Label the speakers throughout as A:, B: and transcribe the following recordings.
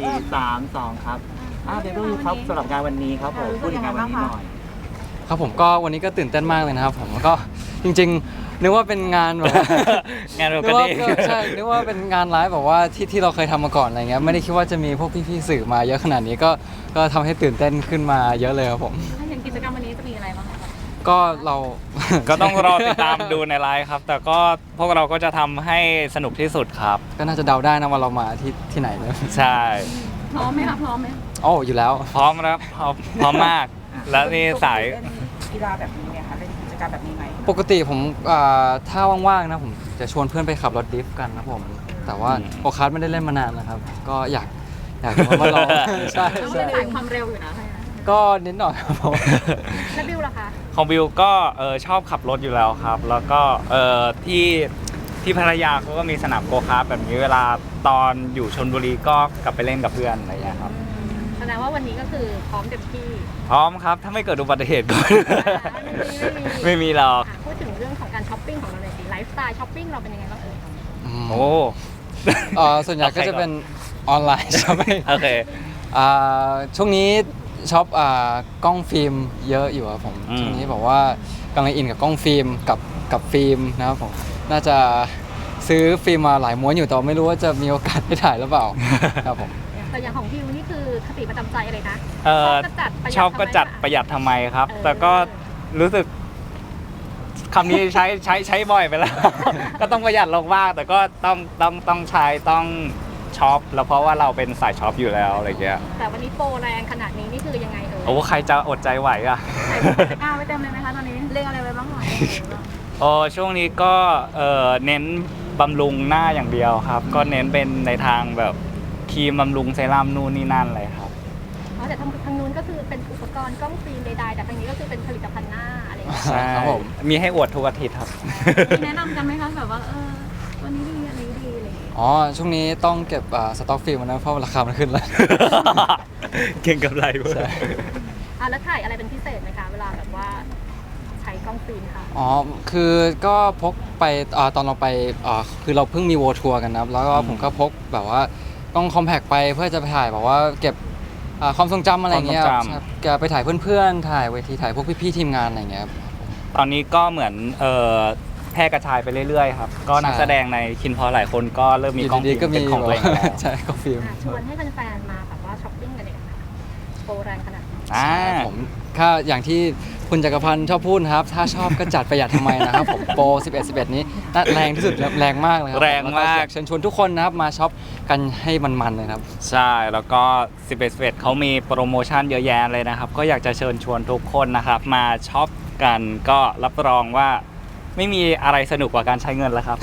A: 3 2ครับเดบิวต์ครับสำหรับงานวันนี้ครับผมพูดถึงงานวันนี้หน่อย
B: ครับผมก็วันนี้ก็ตื่นเต้นมากเลยนะครับผมก็จริงๆนึกว่าเป็นงานแบบ
C: งานโร
B: นึ
C: กั
B: ก
C: น
B: ว่า
C: เอง
B: ใช่นึกว่าเป็นงานไลฟ์แบบว่าที่เราเคยทำมาก่อนอะไรเงี้ยไม่ได้คิดว่าจะมีพวกพี่ๆสื่อมาเยอะขนาดนี้ก็ทำให้ตื่นเต้นขึ้นมาเยอะเลยครับผม
D: ถ้าเห็นกิจกรรมวันนี้จะมีอะไรบ้างคะ
B: ก็เรา
C: ก็ต้องรอติดตามดูในไลฟ์ครับ แต่ก็พวกเราก็จะทำให้สนุกที่สุดครับ
B: ก็น่าจะเดาได้นะว่าเรามาที่ไหนเลย
C: ใช่
D: พร้อมไหมคะพร้อมไหม
B: โอ้อยู่แล้ว
C: พร้อมแล้วพร้อมมาก แล้วนี่สาย
E: เล่นกีฬาแบบนี้ไหมคะเล่นกิจกรรมแบบนี้ไหม
B: ปกติผมถ้าว่างๆนะผมจะชวนเพื่อนไปขับรถดริฟต์กันนะผมแต่ว่าโอคาร์ทไม่ได้เล่นมานานนะครับก็อยากมาลอง ใช่
D: ต้อง
B: ใช่
D: เป็นสายความเร็วอยู่นะใช่ไหม
B: ก็นิดหน่อยครับผม
D: แล้วบิวล่ะคะ
C: ของบิวก็ชอบขับรถอยู่แล้วครับ แล้วก็ที่พัทยาเขาก็มีสนามโกคาร์ทแบบนี้เวลาตอนอยู่ชลบุรีก็กลับไปเล่นกับเพื่อนอะไรอย่างเงี้ยครับ
D: แสดงว่าวันนี้ก็คือพร้อมเต็มที่
C: พร้อมครับถ้าไม่เกิดอุบัติเหตุก็ ไม่มีหรอก
D: พูดถึงเรื่องของการช้อปปิ้งของเราเลยสิไลฟ์สไตล์ช้อปปิ้งเราเป็นยังไงบ้างเอ่ย
C: โอ้
B: ส่วนใหญ่ก็จะเป็นออนไลน์ใช่ไหม
C: โอเค
B: ช่วงนี้ช็อปกล้องฟิล์มเยอะอยู่ครับผมช่วงนี้บอกว่ากำลังอินกับกล้องฟิล์มกับฟิล์มนะครับผมน่าจะซื้อฟิล์มมาหลายม้วนอยู่แต่ไม่รู้ว่าจะมีโอกาสได้ถ่ายหรือเปล่า ครับผม
D: แต่อย่างของบิวนี่คือคติประจำใจเลยนะ
C: ชอบก็จัดประหยัดทำไมครับ แต่ก็รู้สึกคำนี้ใช้บ่อยไปแล้ว ก็ต้องประหยัดลงบ้างแต่ก็ต้องใช้ต้องช็อปแล้วเพราะว่าเราเป็นสายช็อปอยู่แล้วอะไรเงี้ย
D: แต่วันนี้โปรแรงขนาดนี้นี่คือยังไงเอ่ย
C: โอ้ใครจะอดใจไหวอ่ะ
D: ใส่ตะกร้าไว้เต็มเลยไหมคะตอนนี้เรียกอะไรไว้บ้างหน่อย
C: โอ้ช่วงนี้ก็เน้นบำรุงหน้าอย่างเดียวครับ ก็เน้นเป็นในทางแบบครีมบำรุงเซรั่มนู่นนี่นั่นเลยครับ
D: แต่ทางนู้นก็คือเป็นอุปกรณ์กล้องฟิล์มใดๆแต่ทางนี้ก็คือเป็นผลิตภัณฑ์หน้าอะไรอย่างเงี้ย
C: ใช่
B: ครับผม
C: มีให้อวดทุกอาทิตย์ครับ
D: มีแนะนำกันไหมคะแบบว่าวันนี้ดีอันนี้ดีอะไรอย่างเงี้ย
B: อ๋อช่วงนี้ต้องเก็บสต็อกฟิล์มนะเพราะราคามันขึ้นแล้ว
C: เก่งกับไรเว้ย
B: ใช่
D: แล้วถ่ายอะไรเป็นพิเศษไหมคะเวลาแบบว่าใช้กล้องฟิล์มค่ะ
B: อ๋อคือก็พกไปตอนเราไปคือเราเพิ่งมีโวทัวร์กันนะครับแล้วก็ผมก็พกแบบว่ากล้องคอมแพคไปเพื่อจะไปถ่ายแบบว่าเก็บความทรงจำอะไรอย่างเงี้ยครับแกไปถ่ายเพื่อนๆถ่ายเวทีถ่ายพวกพี่ๆทีมงานอะไรอย่างเงี้ยครับ
C: ตอนนี้ก็เหมือนแพร่กระจายไปเรื่อยๆครับ ก็นัก
B: ใช่
C: แสดงในคินพอหลายคนก็เริ่มมีกล้อง
B: ดีๆก็มี
C: เป็นของตัวเองแล้ว
B: ใช่กล้องฟิล์ม
D: ชวนให้แฟนๆมาแบบว่าช้อปปิ้งกันเลยค่ะโปรแรงขนาดนี้
C: อ่า
B: ผมถ้าอย่างที่คุณจักรพันธ์ชอบพูดนะครับ ถ้าชอบก็จัดประหยัดทำไมนะครับผมโปร 11 นี้น่าแรงที่สุดแล้วแรงมากเลยครั
C: แรงมาก
B: แล้วอยเชิญชวนทุกคนนะครับมาช็อปกันให้มันๆเลยครับ
C: ใช่แล้วก็11เขามีโปรโมชั่นเยอะแยะเลยนะครับ ก็อยากจะเชิญชวนทุกคนนะครับ มาช็อปกันก็รับรองว่าไม่มีอะไรสนุกกว่าการใช้เงินแล้วครับ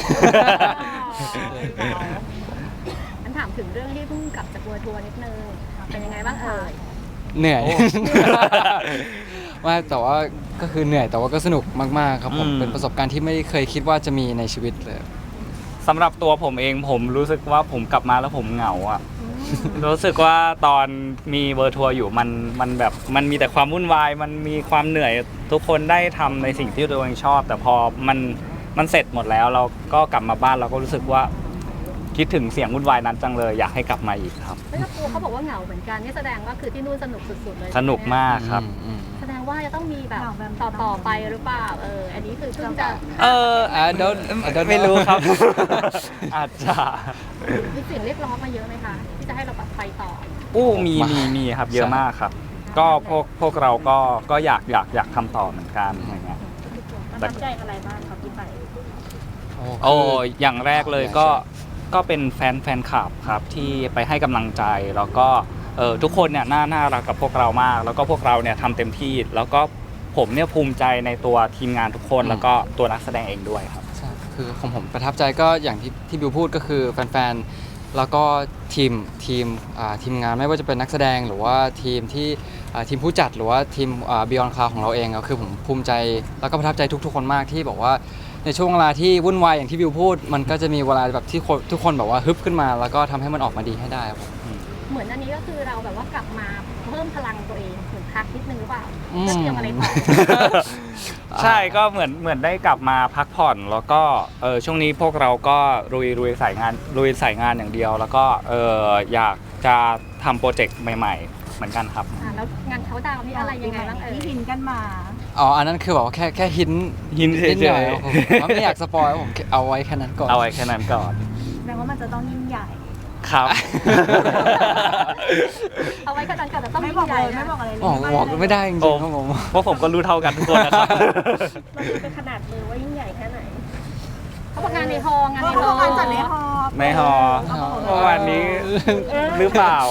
D: อันถามถึงเรื่องที่เพิ่งกลับจากทัวร์นิดนึงเป็นยังไงบ้างเอ่ย
B: เหนื่อย
C: โอ้
B: ไม่แต่ว่าก็คือเหนื่อยแต่ว่าก็สนุกมากๆครับผม
C: อืม
B: เป็นประสบการณ์ที่ไม่เคยคิดว่าจะมีในชีวิตเลย
C: สำหรับตัวผมเองผมรู้สึกว่าผมกลับมาแล้วผมเหงาอ่ะ รู้สึกว่าตอนมีเวอร์ทัวร์อยู่มันแบบมันมีแต่ความวุ่นวายมันมีความเหนื่อยทุกคนได้ทำในสิ่งที่ตัวเองชอบ แต่พอมันเสร็จหมดแล้วเราก็กลับมาบ้านเราก็รู้สึกว่าคิดถึงเสียงวุ่นวายนั้นจังเลยอยากให้กลับมาอีกครับ
D: ไม่ต้องกลัวเขาบอกว่าเหงาเหมือนกันนี่แสดงว่าคือที่นู่นสนุกสุดๆเลย
C: สนุกมากครับ
D: แสดงว่าจะต้องมีแบบต่อไปหรือเปล่าอันนี้คือเพิ่งจะ
C: ไม่รู้ครับ อาจจะ
D: มีเสียงเรียกร้องมาเยอะไหมคะที่จะให้เราไปต่อ
C: มีครับเยอะมากครับ ก็พวกเราก็อยากทำต่อเหมือนกันอย่างเงี้ย
D: ประทับใจอะไรบ้างครับที่ไป
C: โอ้อย่างแรกเลยก็เป็นแฟนคลับครับที่ไปให้กำลังใจแล้วก็ทุกคนเนี่ยน่ารักกับพวกเรามาก แล้วก็พวกเราเนี่ยทำเต็มที่ แล้วก็ผมเนี่ยภูมิใจในตัวทีมงานทุกคนแล้วก็ตัวนักแสดงเองด้วยครับ
B: ใช่คือของผมประทับใจก็อย่างที่บิวพูดก็คือแฟนๆแล้วก็ทีมงานไม่ว่าจะเป็นนักแสดงหรือว่าทีมผู้จัดหรือว่าทีมBeyond Cloud ของเราเองก็คือผมภูมิใจแล้วก็ประทับใจทุกๆคนมากที่บอกว่าในช่วงเวลาที่วุ่นวายอย่างที่บิวพูด มันก็จะมีเวลาแบบที่ทุกคนแบบว่าฮึบขึ้นมา แล้วก็ทำให้มันออกมาดีให้ได้ครับผม
D: เหมือนอันนี้ก็คือเราแบบว่ากลับมาเพิ่มพลังตัวเองเหมือนพักนิดนึงหรือเปล่า
B: อืม
D: จะเตรียมอะไรต่อ
C: ใช่ก็เหมือนได้กลับมาพักผ่อนแล้วก็ช่วงนี้พวกเราก็ลุยสายงานอย่างเดียว แล้วก็อยากจะทำโปรเจกต์ใหม่ๆ เหมือนกันครับ
D: แล้วงานเขาดาวน์นี่อะไรยังไงบ้างเอ่ย
E: ที่หินกันมา
B: อ๋ออันนั้นคือแบบว่าแค่หิน
C: หินเฉยๆ
B: นิดหน่อยครับผมผมไม่อยากสปอยผมเอาไว้แค่นั้นก่อน
C: เอาไว้แค่นั้นก่อน
E: แสดงว่ามันจะต้องยิ่งใหญ่
C: ครับ
D: เอาไว้ขนาดก่อนแต่ต้อง
E: ไม่
D: ยิ่
E: บอก
D: งให
E: เล
D: ญ่
E: ยไม่
D: นะ
E: บอกอะไรเลย
B: บอกไม่ได้จริง
C: โอ้
B: ๆครับผม
C: เพราะผมก็รู้เท่ากันทุกคนนะครับ
D: มันคือเป็นขนาดมือว่ายิ่งใหญ่แค่ไหนเขาบอกงานในฮอลล์งานในฮอลล์
E: การจัดในฮอ
C: ในหอประมาณนี้หรือเปล่า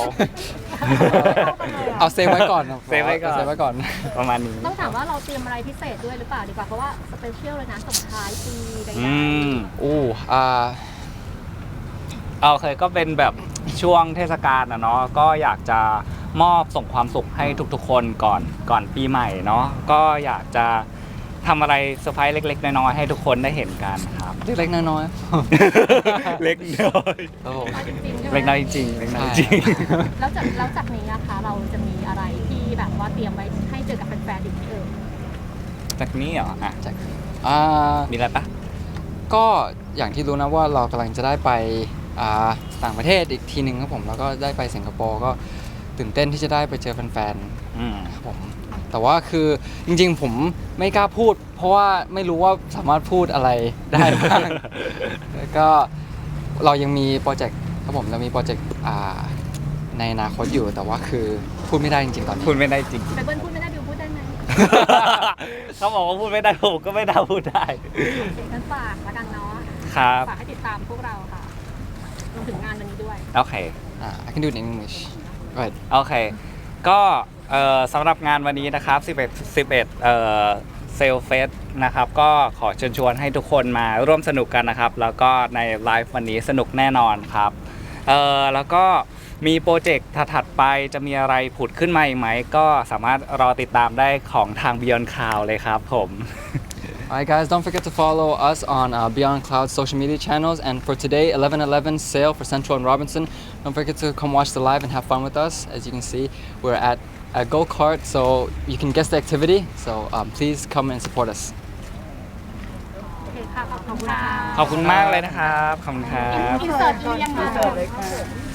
B: เอาเซฟไว้ก่อนครับ
C: เซฟไว้ก่อน
B: เซฟไว้ก่อน
C: ประมาณนี้
D: ต้องถามว่าเราเตรียมอะไรพิเศษด้วยหรือเปล่าดีกว่าเพราะว่าสเปเชียลเลยนะส่งท้ายปีใด
C: อืม
B: อู้
C: เคยก็เป็นแบบช่วงเทศกาลนะเนาะก็อยากจะมอบส่งความสุขให้ทุกๆคนก่อนปีใหม่เนาะก็อยากจะทำอะไรเซอร์ไพรส์เล็กๆน้อยๆให้ทุกคนได้เห็นกันครับ
B: เล็กๆน้อย
C: เล็กน้อย
B: ๆครับผม
D: ๆจริงๆใช่ไหม
C: เล็กน้อยจริงๆเล็กน้อยจริง
D: แล้วจากนี้นะคะเราจะมีอะไรที่แบบว่าเตรียมไว้ให้เจอกับแฟนๆอีกไหมเอ่ย
C: จากนี้เหรออ่ะ
B: จากอ่า
C: มีอะไรปะ
B: ก็อย่างที่รู้นะว่าเรากำลังจะได้ไปต่างประเทศอีกทีหนึ่งครับผมแล้วก็ได้ไปสิงคโปร์ก็ตื่นเต้นที่จะได้ไปเจอแฟน
C: อืม
B: ๆครับผมแต่ว่าคือจริงๆผมไม่กล้าพูด เพราะว่าไม่รู้ว่าสามารถพูดอะไรได้บ้าง แล้วก็เรายังมีโปรเจกต์ครับผมเรามีโปรเจกต์ในอนาคตอยู่แต่ว่าคือพูดไม่ได้จริงๆตอนนี้
C: พูดไม่ได้จริง
D: ไปเบิ้ลพูดไม่ได้บิวพูดได้ไหม
C: เขาบอกว่าพูดไม่ได้ผมก็ไม่ได้พูดได้
D: งั้นฝากละกันเนาะ
C: ครับ
D: ฝากให้ติดตามพวกเราค่ะรวมถึงงานวันนี้ด้วย
C: โอเค
B: I can do it in English go ahead
C: โอเค ก็สำหรับงานวันนี้นะครับ11เซลเฟสนะครับ ก็ขอเชิญชวนให้ทุกคนมาร่วมสนุกกันนะครับ แล้วก็ในไลฟ์วันนี้สนุกแน่นอนครับแล้วก็มีโปรเจกต์ถัดๆไปจะมีอะไรผุดขึ้นมาอีกไหม ก็สามารถรอติดตามได้ของทาง Beyond Cloud เลยครับผม
B: Alright guys, don't forget to follow us on Beyond Cloud social media channels. And for today, 11/11 sale for Central and Robinson. Don't forget to come watch the live and have fun with us. As you can see, we're at a go-kart, so you can guess the activity. So please come and support us.
D: โอเคค่ะ ขอบคุณค่ะ
C: ขอบคุณมากเลยนะครับ ขอบคุณครับ
D: อินเสิร์ตยังไง